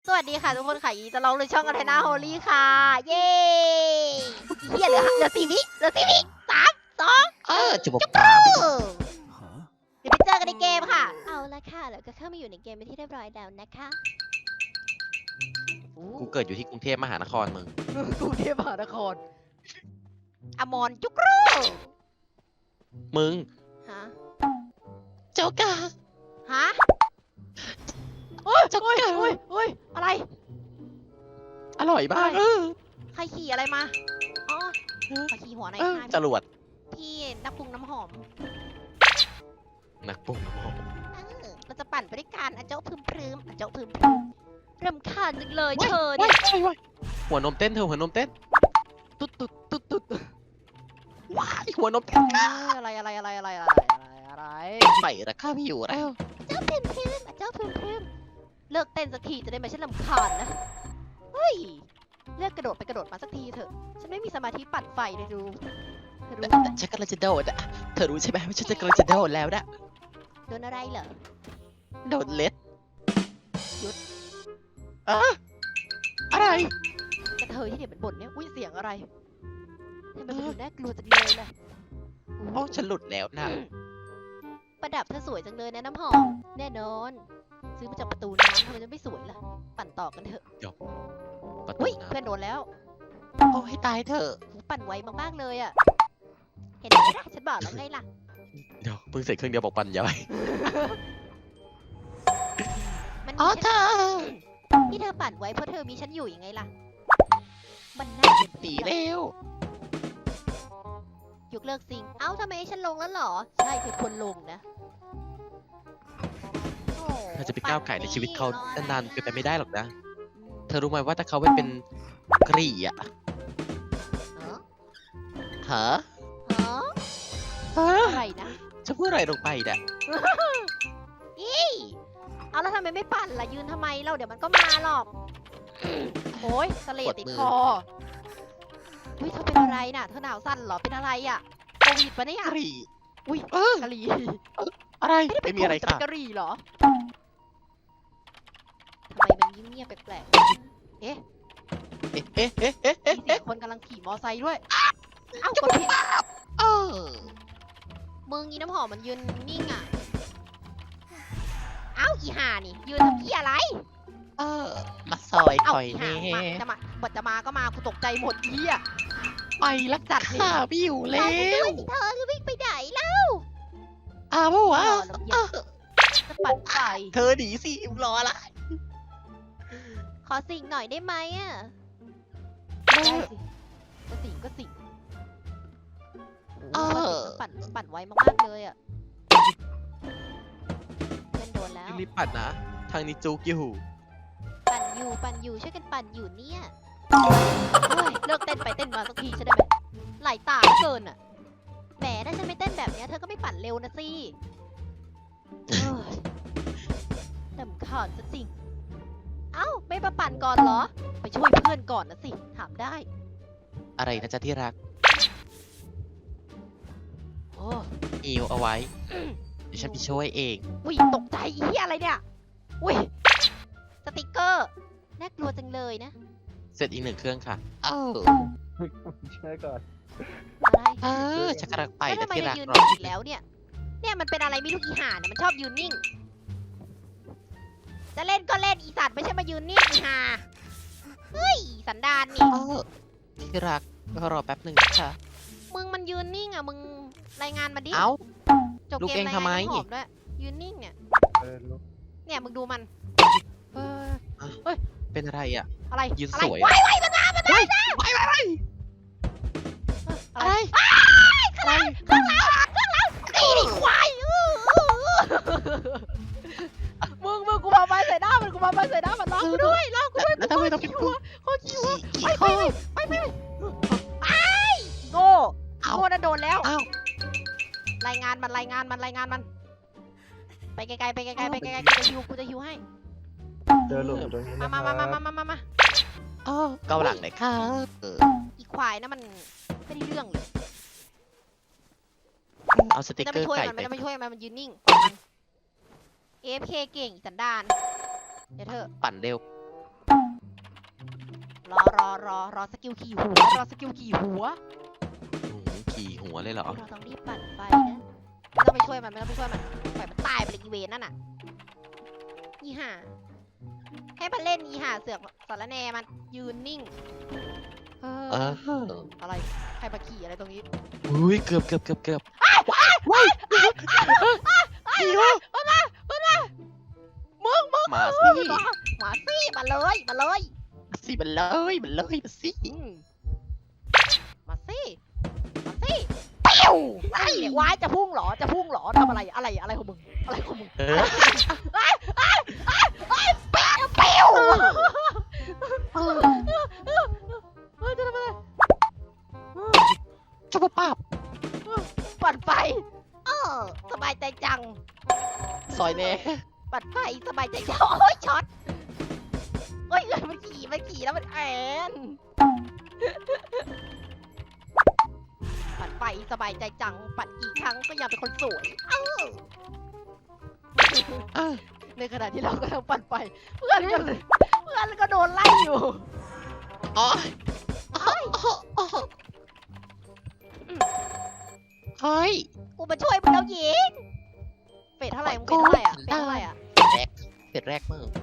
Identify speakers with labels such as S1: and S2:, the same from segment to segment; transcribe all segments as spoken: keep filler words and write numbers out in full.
S1: สวัสดีค่ะทุกคนค่ะยีจะลองเลยช่องกันไทนาโฮลี่ค่ะ เย้เฮียเหลือเหลือสี่วิเหลือสี่วิสามสอง
S2: เออจุบ
S1: จุ๊บ
S2: ปาบ
S1: เดี๋ยวไปเจอกันในเกมค่ะ เอาละค่ะเราก็เข้ามาอยู่ในเกมเป็นที่เรียบร้อยแล้วนะคะ
S2: กูเกิดอยู่ที่กรุงเทพมหานครมึง
S1: กรุงเทพมหานครอมรจุกรู
S2: มึง
S1: ฮะ
S2: เจ้ากา
S1: ฮะโอ้ย
S2: จะ
S1: โอ้ย
S2: เก่า
S1: โอ้ยโอ้ยอะไร
S2: อร่อยมาก
S1: อะไร
S2: เออ
S1: ใครขี่อะไรมาอ๋อขอขี่หัวหน่อย
S2: เออ
S1: ค่ะ
S2: จรวด
S1: พี่นักปรุงน้ำหอม
S2: นักปรุงน้ำหอม
S1: เออเราจะปั่นไปด้วยกันอ่ะเจ้าพึมพรึมอ่ะเจ้าพึมพรึมรำคาญจังเลยเธอเนี่ย
S2: ว้ายว้ายหัวนมเต้นเธอหัวนมเต้น
S1: ตุ๊ดตุ๊ดตุ๊ดตุ๊ด
S2: ว้ายหัวนมเต้น
S1: เอ้ยอะไรอะไรอะไรอะไรอะไรอะไรอะไร
S2: ไปละข้าไม่อยู่แล้ว
S1: เจ้าพึมพรึมอ่ะเจ้าพึมพรึมเลิกเต้นสักทีจะได้ไม่ใช่ลำคาญนะเฮ้ยเลิกกระโดดไปกระโดดมาสักทีเถอะฉันไม่มีสมาธิปั่นไฟเลยดูเธอรู้ไหม
S2: ฉันกำลังจะโดดอะเธอรู้ใช่ไหมว่าฉันจะกำลังจะโดดแล้วนะ
S1: โดนอะไรเหรอ
S2: โดดเล็ด
S1: หยุด
S2: อะอะไร
S1: กระเทยที่เด็กมันบ่นเนี่ยอุ้ยเสียงอะไรทำไมมันดูน่ากลัวจังเลยล่ะ
S2: โอ้ฉันหลุดแล้วนะ
S1: ประดับเธอสวยจังเลยนะน้ำหอมแน่นอน ซื้อมาจากประตูน้ำทำไมจะไม่สวยล่ะ ปั่นต่อกันเถอะ
S2: ประตู
S1: อุ้ย
S2: น้
S1: เพื่อนโดนแล้ว
S2: ำโอ้ให้ตายเถอะ
S1: หูปั่นไวมากๆเลยอ่ะ เห็นไหมล่ะฉันบอกแล้วไงล่ะ
S2: เดี๋ยวเพิ่งเสร็จเครื่องเดียวบอกปันย้าย
S1: มัน
S2: อ๋อ
S1: มี
S2: เธ
S1: ฉัน
S2: อ
S1: ที่เธอปั่นไว้เพราะเธอมีฉันอยู่ยังไงล่ะ มันน่าเจ็บ
S2: หนีเร็ว
S1: ยกเลิกซิง เอ้าทำไมให้ฉันลงแล้วเหรอ ใช่เธอควรลงนะโอ้
S2: เธอจะไปก้าวไก่ในชีวิตเขา
S1: รออะไร
S2: นานๆเป็นไปไม่ได้หรอกนะ
S1: อืม
S2: เธอรู้ไหมว่าถ้าเขาไม่เป็นกรีอ่ะ
S1: เออ
S2: ฮะ
S1: เออ
S2: ฮะ
S1: อะไรนะ
S2: จะพูดอะไรลงไปเนี่ย
S1: อีเอาแล้วทำไมไม่ปั่นล่ะยืนทำไมเราเดี๋ยวมันก็มาหรอก โอ้ยสะเลดติดคออุ้ยเธอเป็นอะไรน่ะเธอหนาวสั่นเหรอเป็นอะไรอ่ะโควิดปะเนี่ย
S2: กรี
S1: อุ้ย
S2: เออก
S1: ะหรี่
S2: อะไร
S1: ไม่ได้เป็
S2: ไม่
S1: น
S2: มีอะไร
S1: โควิดแต่
S2: ค่ะ
S1: เป็นกะหรี่เหรอทำไมมันเงียบๆแปลกๆเอ๊ะ
S2: เอ๊ะเอ๊ะเอ๊ะเอ๊ะ
S1: มี
S2: เอ๊ะ
S1: เสียงคนกำลังขี่มอไซค์ด้วยเอ้ากดผิด
S2: เออ
S1: มึงอีน้ำหอมมันยืนนิ่งอ่ะเอ้าอีห่านี่ยืนทำเหี้ยอะไร
S2: เออ มาซอย
S1: เอ้า
S2: คอย
S1: อีห่า
S2: เน่
S1: มาจะมาบทจะมาก็มากูตกใจหมดเหี้ย
S2: ไปลักจัดข่าไม่อยู่แล้
S1: ตายไปด้
S2: ว
S1: วยสิเธอจะวิ่งไปไหนแล้ว
S2: อ้าววะ
S1: รอแล้วเย็น จะปั่นไฟ
S2: เธอหนีสิมึงรออะไร
S1: ขอสิ่งหน่อยได้ไหมอ่ะ
S2: ได้
S1: ได้สิก็สิ่งก็สิ่ง
S2: เอ
S1: โอ้
S2: อ
S1: โหปั่นปั่นไวมากๆเลยอ่ะเป็นโดนแล้ว
S2: รีบปัดนะ ทางนี้จุกอยู่
S1: ปั่นอยู่ปั่นอยู่ช่วยกันปั่นอยู่เนี่ยเฮ้ยเลิกเต้นไปเต้นมาสักทีใช่ได้ไหมไหลตาเหลือเกินอ่ะแหมถ้าฉันไม่เต้นแบบเนี้ยเธอก็ไม่ปั่นเร็วนะสิเฮ้ยลำคาญซะจริง เอ้าไม่มาปั่นก่อนเหรอ ไปช่วยเพื่อนก่อนนะสิ ถามได้
S2: อะไรนะจ๊ะที่รัก
S1: โอ้
S2: อิวเอาไว้ เดี๋ยวฉันไปช่วยเอง
S1: อุ้ยตกใจอีเหี้ยอะไรเนี่ย อุ้ยสติกเกอร์ น่ากลัวจังเลยนะ
S2: เสร็จอีกหนึ่งเครื่องค่ะ เออ
S3: ช่วยก่อน
S1: อะไร
S2: เออฉันกำลังไป
S1: แล้ว
S2: นะ
S1: ทำไม
S2: ที่
S1: จะ
S2: รัก
S1: ยืน
S2: รอ
S1: นิ่ง
S2: อี
S1: อี
S2: ก
S1: กแล้วเนี่ย เนี่ยมันเป็นอะไรไม่รู้อีห่าเนี่ยมันชอบยืนนิ่ง จะเล่นก็เล่นอีสัตว์ไม่ใช่มายืนนิ่งอีห่าเฮ้ยสันดานนี่
S2: เออที่รักก็รอแป๊บหนึ่งนะคะ
S1: มึงมันยืนนิ่งอ่ะมึงรายงานมาดิ
S2: เอ้า
S1: จบ
S2: ลูก
S1: เก
S2: เอ
S1: ม
S2: ง
S1: ราย
S2: ทำไม
S1: งานให้หอมด้วยยืนนิ่งเนี่ย
S3: เออลูก
S1: เนี่ยมึงดูมันเออ
S2: เป็นอะไรอ่ะ
S1: อะไร
S2: ยืน
S1: อะไร
S2: สวย
S1: ว้ายว้ายมันมามันมา
S2: ไปไปไป
S1: อะ
S2: อะไร ไร
S1: ข้างหลังข้างหลังข้างหลังตีดิควายอื้ออื้อมึงมึงกูมาไปใส่หน้ามันกูมาไปใส่หน้ามันล้อกูด้วยล้อกูด้วย
S2: แล้วทำไมต้องเป็น
S1: กู
S2: กู
S1: โคตรคิวอะ
S2: ขี่
S1: ไป
S2: ข้อ
S1: ไปไปไปไอ้โง่
S2: เอ้า
S1: โง่น่ะโดนแล้ว
S2: เอ้าร
S1: ายงานมันรายงานมันรายงานมัน ไปไกลๆไปไกลๆไปไกลๆกูจะฮิวกูจะฮิวให้
S3: เจอหลุมอยู่ตรงนี้
S1: มา
S3: นะ
S1: มา
S3: ค
S1: มา
S3: รั
S1: มา
S3: บ
S1: มามามา
S2: เออเกาหลังหน่อยค่ะเออ
S1: อีควายนะมันไม่ได้เรื่องเลย
S2: เอาสติก
S1: จะ
S2: เก
S1: ไป
S2: อร์
S1: ช่วย
S2: ไก่
S1: มัน
S2: ไป
S1: ไม่จะไปช่วยมันมันยืนนิ่งเอฟเคเก่งอีสันดานเดี๋ยวเธอ
S2: ปั่นเร็ว
S1: รอรอรอรอสกิลขี่หัวรอสกิลขี่หัว
S2: โอ้โหขี่หัวเลยเหรอ
S1: เราต้องรีบปั่นไฟนะไม่ต้องไปช่วยมันไม่ต้องไปช่วยมันปล่อยมันตายไปเลยอีเวนนั่นน่ะอีห่าให้มันเล่นอีห่าเสือกสารแหนมันยืนนิ่งเอ
S2: เอ
S1: อ
S2: อ
S1: อะไรใครมาขี่อะไรตรงนี้
S2: อุ้ยเกือบเกือบเกือบเกือบว้ายว้ายขี่วะ
S1: มึงมึง
S2: มาสิ
S1: มามาสิมาเลยมาเลย
S2: มาสิมันเลยมันเลยมาสิ
S1: อืมมาสิมาสิเปี้ยวไอ้เนี่ยวายจะพุ่งเหรอจะพุ่งเหรอทำอะไรอะไรอะไรของมึงอะไรของมึง
S2: เออ
S1: เปี้ยวเปี้ยว
S2: เออ
S1: เฮ้ยจะทำอะไร
S2: จุบปับ
S1: ปั่นไฟเออสบายใจจัง
S2: ซอยเน่
S1: ปั่นไฟสบายใจจังโอ้ยช็อตเฮ้ยเอ้ยมันขี่มันขี่แล้วมันแอนปั่นไฟสบายใจจังปั่นกี่ครั้งก็ยังเป็นคนสวยเออ
S2: เออ
S1: ในขณะที่เรากำลังปั่นไฟเพื่อนก็เพื่อนก็โดนไล่อยู่
S2: อ๋อเฮ้ย
S1: กูมาช่วยมึงแล้วหญิงเฟสเท่าไหร่มึงเฟสเท่าไหร่อ่ะเฟสเท่าไหร่อ่ะ
S2: แรกเสร็จแรกมึง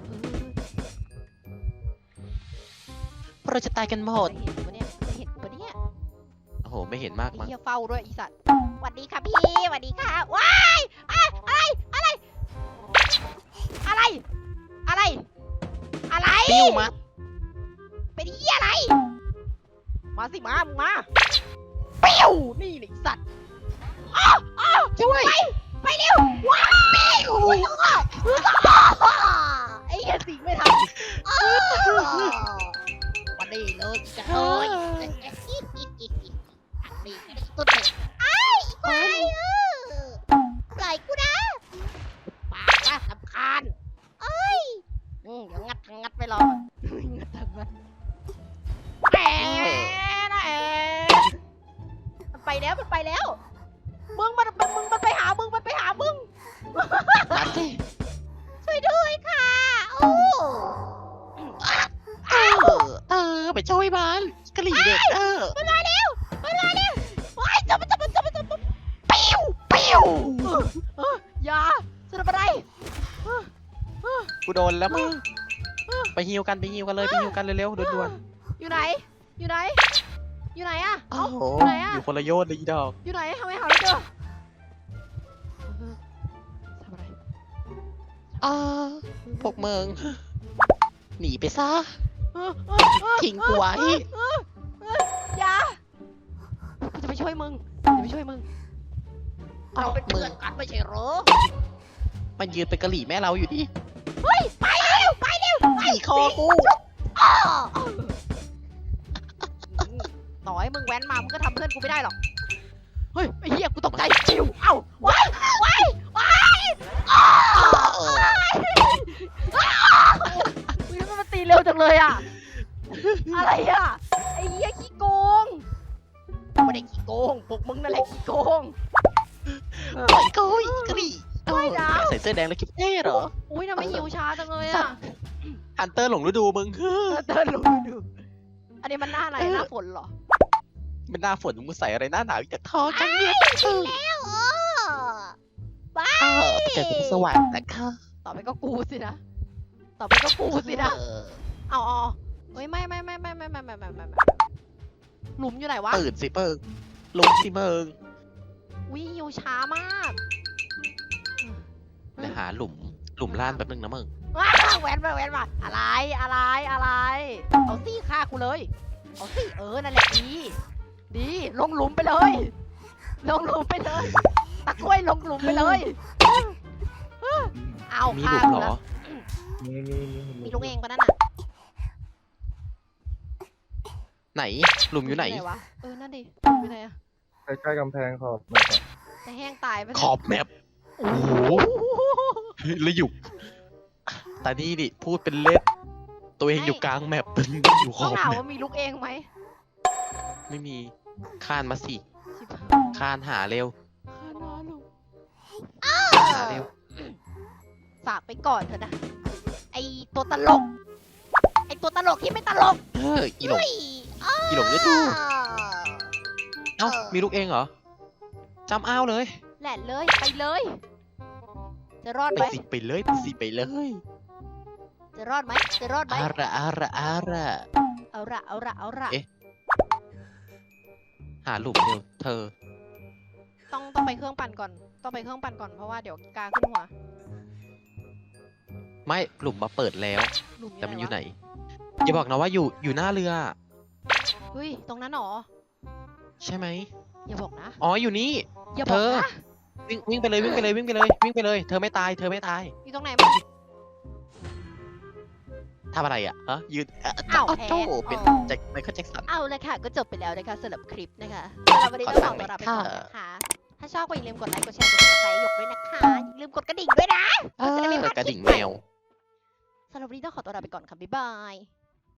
S2: เราจะตายกันหมด
S1: เห็นกูปะเนี่ยเห็นกูปะเนี่ย
S2: โอ้โหไม่เห็นมาก
S1: ไอ้
S2: มั้ง
S1: เหี้ยเฝ้าด้วยอีสัตว์สวัสดีค่ะพี่สวัสดีค่ะว้ายอะอะไรอะไรอะไรอะไรอะไร
S2: ปิ้วมา
S1: เป็นเหี้ยอะไรมาสิมามึงมาปิ้วนี่ไอ้สัตว์อ้าวอ้าว
S2: ช่วย
S1: ไปเร็วว้าวปิ้วไอ้เหี้ยสิงไม่ทันอ้าวมาดีเลยจะเอ้ยนี่ไม่ได้ตุ๊ดเลยไอ้ควายเออปล่อยกูนะปากว่าสำคัญเอ้ยอืมเดี๋ยวงัดทางงัดไปรองัดทางงัดแหมนะแหมมันไปแล้วมันไปแล้วมึงมันมันมึงมันไปหามึงมันไปหามึง
S2: มาสิ
S1: ช่วยด้วยค่ะโอ้
S2: เออเออไปช่วยมันกะหรี่เด็กเออ
S1: มันมาเร็วมันมาเร็วว้ายจับมันจับมันจับมันจับมันปิ้วปิ้วเอออย่าจะทำอะไร
S2: กูโดนแล้วมึงไปฮิวกันไปฮิวกันเลยไปฮิวกันเร็วๆด่วน
S1: อยู่ไหน อยู่ไหน อยู่ไหนอะ
S2: ๆ
S1: เอ้า
S2: โอ้
S1: อ
S2: โห
S1: ยู่ไหนอะ
S2: อยู่คนละโยนเลยอีดอก
S1: อยู่ไหนทำไมหาไม่เจอทำอะไร
S2: อ่าพวกมึงหนีไปซะ
S1: เออเออเออ
S2: ทิ้งกูไว้
S1: เออเอออย่ากูจะไปช่วยมึงกูจะไปช่วยมึงเราเป็นเพื่อนกันไม่ใช่เหรอ
S2: มันยืนเป็นกะหรี่แม่เราอยู่ดิ
S1: เฮ้ยไปเร็วไปเร็ว
S2: ขี่คอกู
S1: อ้อต่อให้มึงแว้นมามึงก็ทำเพื่อนกูไม่ได้หรอกเฮ้ยไอ้เหี้ยกูตกใจจิวเอ้าว้ายว้ายว้ายอ้าวอุ๊ยมันตีเร็วจังเลยอ่ะอะไรอ่ะไอ้เหี้ยขี้โกงไม่ได้ขี้โกงพวกมึงนั่นแหละขี้โกง
S2: ปล่อยกูอีกกะหรี่
S1: ไม่นะ
S2: ใส่เสื้อแดงแล้วคิดเท่เหรอ
S1: อุ้ยทำไมหิวช้าจังเลย
S2: สั
S1: อ่ะ
S2: ตว์ ฮันเตอร์หลงฤดูมึง
S1: เดินลงดูอันนี้มันหน้าอะไรหน้าฝนเหรอ
S2: มันหน้าฝนมึงใส่อะไรหน้าหนาวอีกแต่ทอกันเนี่ยเออ
S1: แล้วเออบ้า
S2: เออไปเจอกับสวรรค์นะคะ
S1: ต่อไปก็กูสินะ ต่อไปก็กูสินะ
S2: เออ
S1: เอาเอาเฮ้ยไม่ไม่ไม่ไม่ไม่ไม่ไม่ไม่ไม่ไม่หลุมอยู่ไหนวะ
S2: ตื่นสิเมิงลุกสิเมิง
S1: วิหิวช้ามาก
S2: ไปหาหลุมหลุมล่านแป๊บนึงนะมึง
S1: ว้าแหวนมาแหวนมาอะไรอะไรอะไรเอาสิฆ่ากูเลยเอาสิเออนั่นแหละดีดีลงหลุมไปเลย ลงหลุมไปเลยตะกล้วยลงหลุมไปเลยเอา
S2: มี
S1: ฆ่า
S2: หลุม
S1: กู
S2: เหร
S1: แล้
S2: อ
S1: ว
S3: มีมีมี
S1: มีลูกเองปะนั่นน่ะ
S2: ไหนหลุมอยู่ไหน
S1: วะเออนั่นดิอยู่ไหนอะ
S3: ใกล้ๆกำแพงขอบหน่อยครับ
S1: จะแห้งตายไป
S2: ขอบแมปโอ้โหแล้วอยู่ตานี่ดิพูดเป็นเล่นตัวเองอยู่กลางแมปเป็นอยู่ข
S1: ต้อ
S2: อง บ
S1: ถาม
S2: แมป
S1: ว่ามีลูกเองไหม
S2: ไม่มีคานมาสิ
S1: ชิบหาย
S2: คานหาเร็ว
S1: ข้าน้าลูก
S2: คานหาเร็ว
S1: ฝากไปก่อนเถอะนะ ไอตัวตลก ไอตัวตลกที่ไม่ตลก
S2: เอออีหลง
S1: เฮ้ยอ้าว
S2: อีหลงด้วยทูเอ้ามีลูกเองเหรอจำอ้าวเลย
S1: แหละเลยไปเลย จะรอด
S2: ไป
S1: ไหม
S2: สิไปเลยไปสิไปเลย
S1: จะรอดไหมจะรอดไหม
S2: อาระอาระอาระ
S1: เอาละเอาละเอาละ
S2: เอ๊ะ หาหลุมเร็วเธอ
S1: ต้องต้องไปเครื่องปั่นก่อน ต้องไปเครื่องปั่นก่อนเพราะว่าเดี๋ยวกาขึ้นหัว
S2: ไม่หลุมมาเปิดแล้ว
S1: หลุม
S2: แต่มัน
S1: วะ
S2: อยู่ไหน อย่าบอกนะว่าอยู่อยู่หน้าเรือ
S1: เฮ้ยตรงนั้นเหรอ
S2: ใช่ไหม
S1: อย่าบอกนะ
S2: อ๋ออยู่นี่
S1: อย่าบ
S2: เธ
S1: อก
S2: อ
S1: นะ
S2: วิ่งวิ่งไปเลยวิ่งไปเลยวิ่งไปเลยวิ่งไปเลย เธอไม่ตาย เธอไม่ตาย
S1: อยู่ตรงไหนมั้ง
S2: ทำอะไรอ่ะฮะยืนเอ่อ
S1: อ้าว
S2: โอ้
S1: แพ้
S2: โหเป็น
S1: อ๋อ
S2: แจ็คไมเคิลแจ็คสัน
S1: เอาละค่ะก็จบไปแล้วนะคะสำหรับคลิปนะคะสำหรับวันนี้
S2: ขอ
S1: ต้องข
S2: สั่
S1: อง
S2: หน่
S1: ตัว
S2: อย
S1: ลาไปก่อน
S2: ค่ะ
S1: นะคะ ถ้าชอบก็อย่าลืมกดไลค์กดแชร์กดติดตามหยกด้วยนะคะอย่าลืมกดกระดิ่งด้วยนะ
S2: เออ
S1: จะได้ไม่พลาด
S2: กระ
S1: คลิ
S2: ดิ่
S1: ป
S2: ง
S1: ใหม่
S2: แมว
S1: สำหรับวันนี้ต้องขอตัวลาไปก่อนค่ะบ๊ายบาย